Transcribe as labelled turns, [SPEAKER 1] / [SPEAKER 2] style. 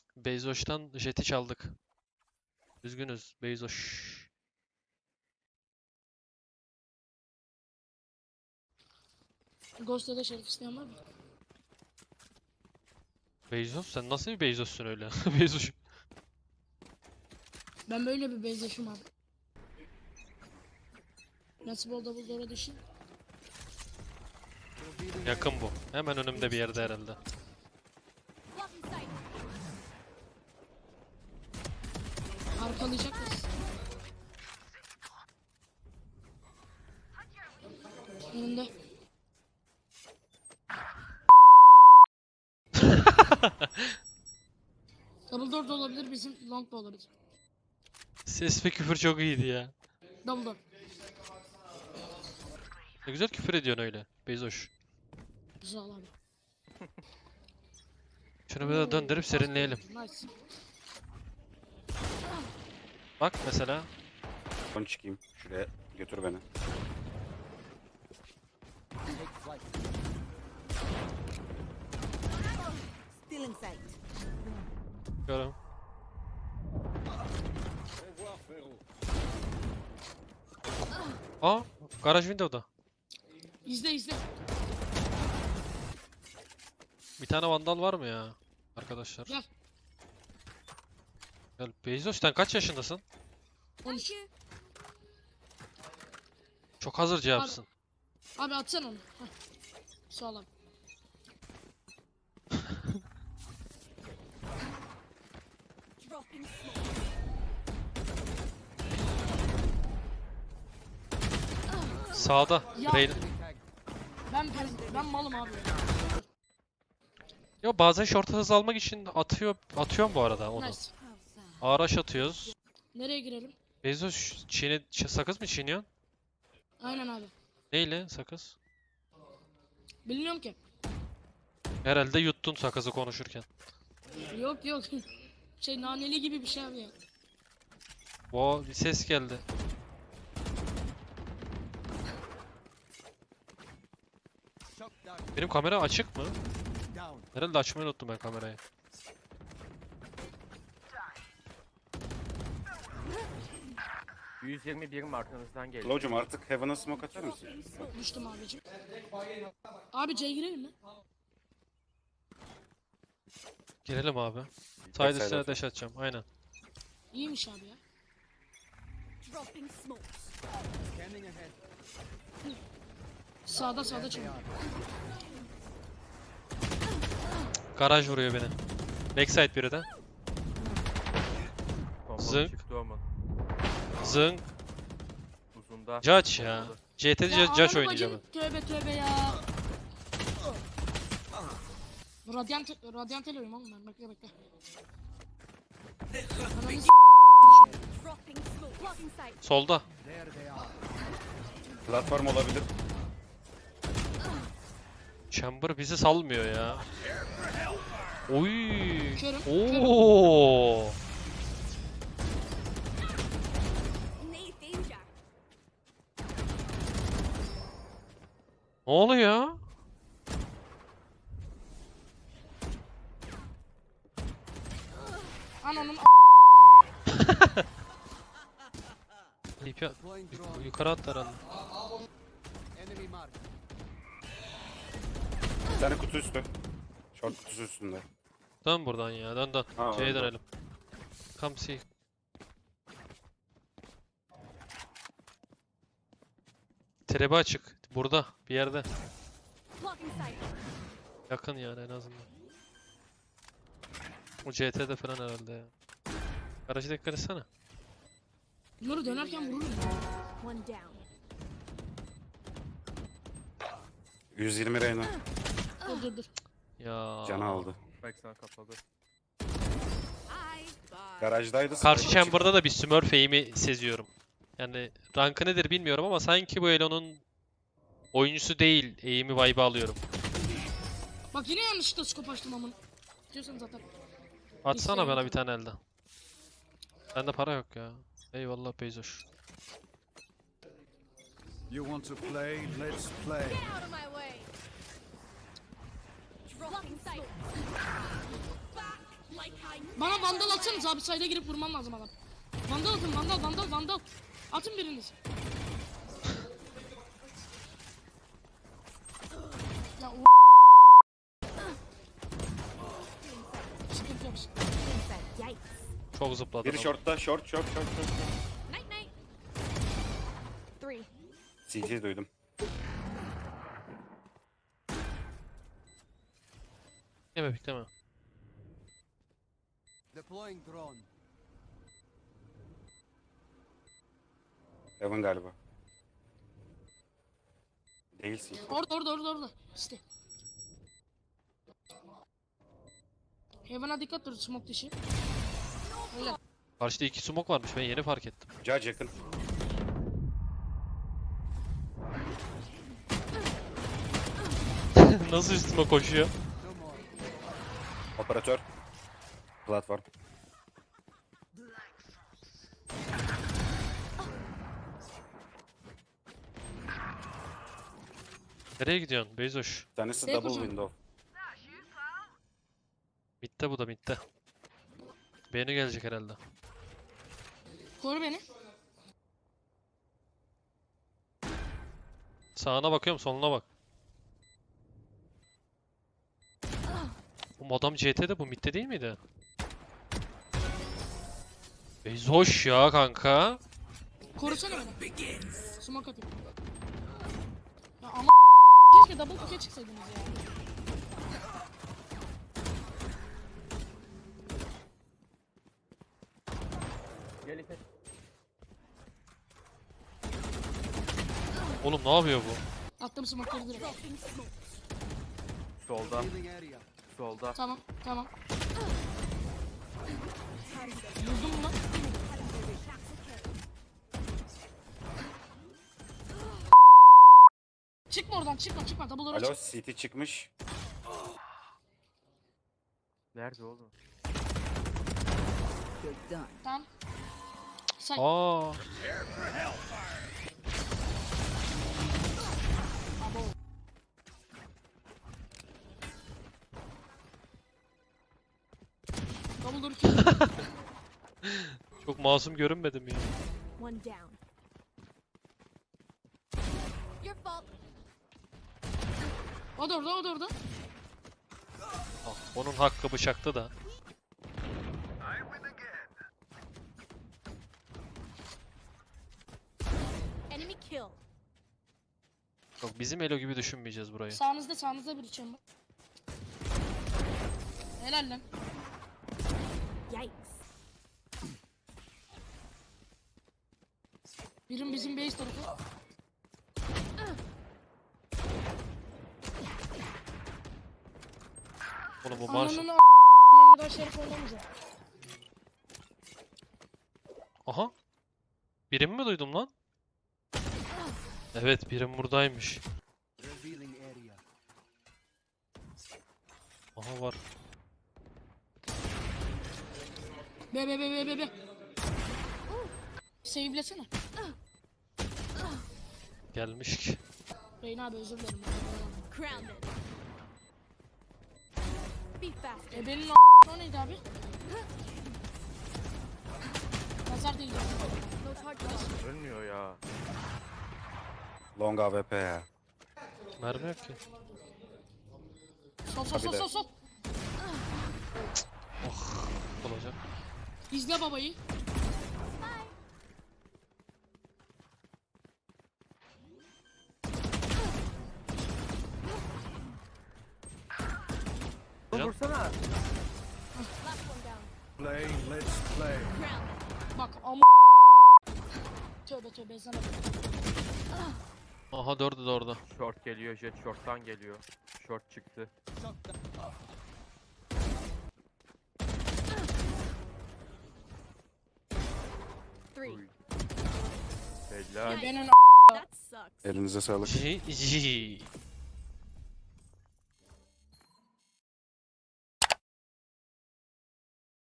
[SPEAKER 1] Beyzoş'tan jeti çaldık. Üzgünüz Beyzoş.
[SPEAKER 2] Ghost'ta da şerif isteyen var mı?
[SPEAKER 1] Beyzoş sen nasıl bir Beyzoş'sun öyle? Beyzoş.
[SPEAKER 2] Ben böyle bir benzeşim abi. Nasıl bol double door'a düşeyim?
[SPEAKER 1] Yakın bu. Hemen önümde bir yerde herhalde.
[SPEAKER 2] Arkalayacak mısın? Önünde. Double door da olabilir, bizim long da olabilir.
[SPEAKER 1] Ses ve küfür çok iyiydi ya.
[SPEAKER 2] Double door.
[SPEAKER 1] Ne güzel küfür ediyorsun öyle. Beyzoş.
[SPEAKER 2] Güzel abi.
[SPEAKER 1] Şunu bir de döndürüp serinleyelim.
[SPEAKER 2] Nice.
[SPEAKER 1] Bak mesela.
[SPEAKER 3] Son çıkayım. Şuraya götür beni.
[SPEAKER 4] Still in sight.
[SPEAKER 1] Görüyorum. Aa, garaj window'da.
[SPEAKER 2] İzle izle.
[SPEAKER 1] Bir tane vandal var mı ya? Arkadaşlar.
[SPEAKER 2] Gel.
[SPEAKER 1] Gel. Beyzoş sen kaç yaşındasın?
[SPEAKER 2] 13.
[SPEAKER 1] Çok hazır cevapsın.
[SPEAKER 2] Abi atsana onu. Heh. Sağ ol abi.
[SPEAKER 4] Dropping smoke.
[SPEAKER 1] Sağda.
[SPEAKER 2] Ya.
[SPEAKER 1] Rain.
[SPEAKER 2] Ben malım abi.
[SPEAKER 1] Yo bazen short hız almak için atıyorum bu arada onu.
[SPEAKER 2] Nice.
[SPEAKER 1] Araç atıyoruz.
[SPEAKER 2] Nereye girelim?
[SPEAKER 1] Beyzoş sakız mı çiğniyorsun?
[SPEAKER 2] Aynen abi.
[SPEAKER 1] Neyle sakız?
[SPEAKER 2] Bilmiyorum ki.
[SPEAKER 1] Herhalde yuttun sakızı konuşurken.
[SPEAKER 2] Yok yok. Şey naneli gibi bir şey abi ya.
[SPEAKER 1] Bir ses geldi. Benim kamera açık mı? Herhalde açmayı unuttum ben kamerayı.
[SPEAKER 5] ...121'im arkanızdan geliyor.
[SPEAKER 3] Low'cum artık Heaven'a smoke atar mısın?
[SPEAKER 2] Düştüm abicim. Abi C'ye girelim mi?
[SPEAKER 1] Girelim abi. Side
[SPEAKER 3] Backside
[SPEAKER 1] üstüne
[SPEAKER 3] atar.
[SPEAKER 1] dash atacağım aynen.
[SPEAKER 2] İyiymiş abi ya.
[SPEAKER 4] Dropping smokes.
[SPEAKER 2] Sağda çalıyor.
[SPEAKER 1] Garaj vuruyor beni. Backside biri de.
[SPEAKER 5] Bombalı
[SPEAKER 1] Zınk.
[SPEAKER 5] çıktı olmadı.
[SPEAKER 1] Zınk.
[SPEAKER 5] Uzunda.
[SPEAKER 1] Judge ya.
[SPEAKER 5] Bombalı.
[SPEAKER 1] CT'de
[SPEAKER 2] Ya
[SPEAKER 1] Judge
[SPEAKER 2] ananı
[SPEAKER 1] oynayacağım ben.
[SPEAKER 2] bacını, tövbe ya. Radyant alıyorum oğlum ben, bekle. Ananı
[SPEAKER 4] Dropping smoke. Blocking sight.
[SPEAKER 1] Solda.
[SPEAKER 3] Platform olabilir.
[SPEAKER 1] Chamber bizi salmıyor ya. Oy.
[SPEAKER 2] Körüm,
[SPEAKER 1] Oo.
[SPEAKER 4] Nade danger.
[SPEAKER 1] Ne oluyor?
[SPEAKER 2] ananın
[SPEAKER 1] Yukarı at herhalde.
[SPEAKER 3] Bir tane kutu üstü. Short kutusu üstünde.
[SPEAKER 1] Dön buradan ya dön.
[SPEAKER 3] Ha,
[SPEAKER 1] C'ye
[SPEAKER 3] orada.
[SPEAKER 1] dönelim. Come see. Trebe açık. Burada bir yerde.
[SPEAKER 4] Blocking sight.
[SPEAKER 1] Yakın yani en azından. O CT'de falan herhalde ya. Garajı dikkat etsene.
[SPEAKER 2] bunları dönerken vururum.
[SPEAKER 4] One down.
[SPEAKER 3] 120 Reyna.
[SPEAKER 2] Dur.
[SPEAKER 1] Ya.
[SPEAKER 3] Canı aldı.
[SPEAKER 5] Backside kapalı.
[SPEAKER 3] Garajdaydı.
[SPEAKER 1] Karşı
[SPEAKER 3] smoke'a
[SPEAKER 1] chamber'da da bir Smurf aim'i seziyorum. Yani rankı nedir bilmiyorum ama sanki bu Elo'nun oyuncusu değil aim'i vibe alıyorum.
[SPEAKER 2] Bak yine yanlışlıkla scope açtım amın. Diyorsan zaten.
[SPEAKER 1] Atsana bana bir tane elden. Bende para yok ya. Eyvallah Beyzoş.
[SPEAKER 6] You want to play? Let's play.
[SPEAKER 4] Get out of my way. Dropping sight. Back.
[SPEAKER 2] Bana vandal atsanız abi, sayda girip vurmam lazım adam. Vandal atın, vandal. Atın biriniz. Ya o sıkıntı yok.
[SPEAKER 4] Yikes.
[SPEAKER 1] Çok zıpladı.
[SPEAKER 3] Biri
[SPEAKER 1] adam.
[SPEAKER 3] shortta, short.
[SPEAKER 4] Night night. 3.
[SPEAKER 3] CT duydum.
[SPEAKER 1] Bekleme.
[SPEAKER 6] Deploying drone.
[SPEAKER 3] Evan galiba. Değil CT.
[SPEAKER 2] Orada. İşte. Heaven'a dikkat dur, smoke dışı. Öyle.
[SPEAKER 1] Karşıda 2 smoke varmış, ben yeni fark ettim.
[SPEAKER 3] Judge yakın.
[SPEAKER 1] Nasıl üstüme koşuyor?
[SPEAKER 6] No more.
[SPEAKER 3] Operatör. Platform.
[SPEAKER 1] Nereye gidiyorsun Beyzoş?
[SPEAKER 3] Bir tanesi
[SPEAKER 2] Şey
[SPEAKER 3] double
[SPEAKER 2] yapacağım.
[SPEAKER 3] window.
[SPEAKER 1] Mitte bu da mitte. Beğeni gelecek herhalde.
[SPEAKER 2] Koru beni.
[SPEAKER 1] Sağına bakıyorum, soluna bak. Bu adam CT'de, bu mitte değil miydi? Beyzoş ya kanka.
[SPEAKER 2] Korusana beni. Smoke atayım. Ya ama keşke double pick'e çıksaydınız ya.
[SPEAKER 5] Gel İpek.
[SPEAKER 1] Oğlum ne yapıyor bu?
[SPEAKER 2] Attım smoke'ları direkt.
[SPEAKER 5] Solda.
[SPEAKER 6] Healing area.
[SPEAKER 5] Solda.
[SPEAKER 2] Tamam. Vurdum mu lan? Çıkma oradan, çıkma. Double
[SPEAKER 3] Alo,
[SPEAKER 2] çık.
[SPEAKER 3] CT çıkmış.
[SPEAKER 5] Nerede oğlum?
[SPEAKER 2] Tamam. Say.
[SPEAKER 1] Aa,
[SPEAKER 2] Abo. Double door kill.
[SPEAKER 1] çok masum görünmedim ya.
[SPEAKER 4] One down. Your fault.
[SPEAKER 2] O da orada.
[SPEAKER 1] Ah, onun hakkı bıçaktı da.
[SPEAKER 4] Enemy kill.
[SPEAKER 1] Yok, bizim Elo gibi düşünmeyeceğiz burayı.
[SPEAKER 2] Sağınızda bir içiyorum bak. Helal lan.
[SPEAKER 4] Yikes.
[SPEAKER 2] Birim bizim base tarafı.
[SPEAKER 1] Oğlum bu marş.
[SPEAKER 2] Ananı ben bir daha şerif oynamayacağım.
[SPEAKER 1] Aha. Birim mi duydum lan? Evet, birim buradaymış.
[SPEAKER 6] Revealing area.
[SPEAKER 1] Aha var.
[SPEAKER 2] Be. Save'lesene.
[SPEAKER 1] Gelmiş ki.
[SPEAKER 2] Reyna abi özür dilerim.
[SPEAKER 4] Grounded. Be fast.
[SPEAKER 2] Benim o neydi abi? Nazar değil.
[SPEAKER 4] No target.
[SPEAKER 5] Ölmüyor ya.
[SPEAKER 3] Long AWP ya.
[SPEAKER 1] Mermi yok ki.
[SPEAKER 2] Sol.
[SPEAKER 1] Olacak.
[SPEAKER 2] İzle babayı.
[SPEAKER 1] Can.
[SPEAKER 5] Vursana.
[SPEAKER 4] Last one down.
[SPEAKER 6] Play, let's play.
[SPEAKER 4] Grounded.
[SPEAKER 2] Bak ama tövbe sana.
[SPEAKER 1] Aha, dördü de orada.
[SPEAKER 5] Short geliyor, jet short'tan geliyor. Short çıktı.
[SPEAKER 4] Three.
[SPEAKER 5] Uy. Helal.
[SPEAKER 2] Benim
[SPEAKER 4] That sucks.
[SPEAKER 3] Elinize sağlık.
[SPEAKER 1] Ji.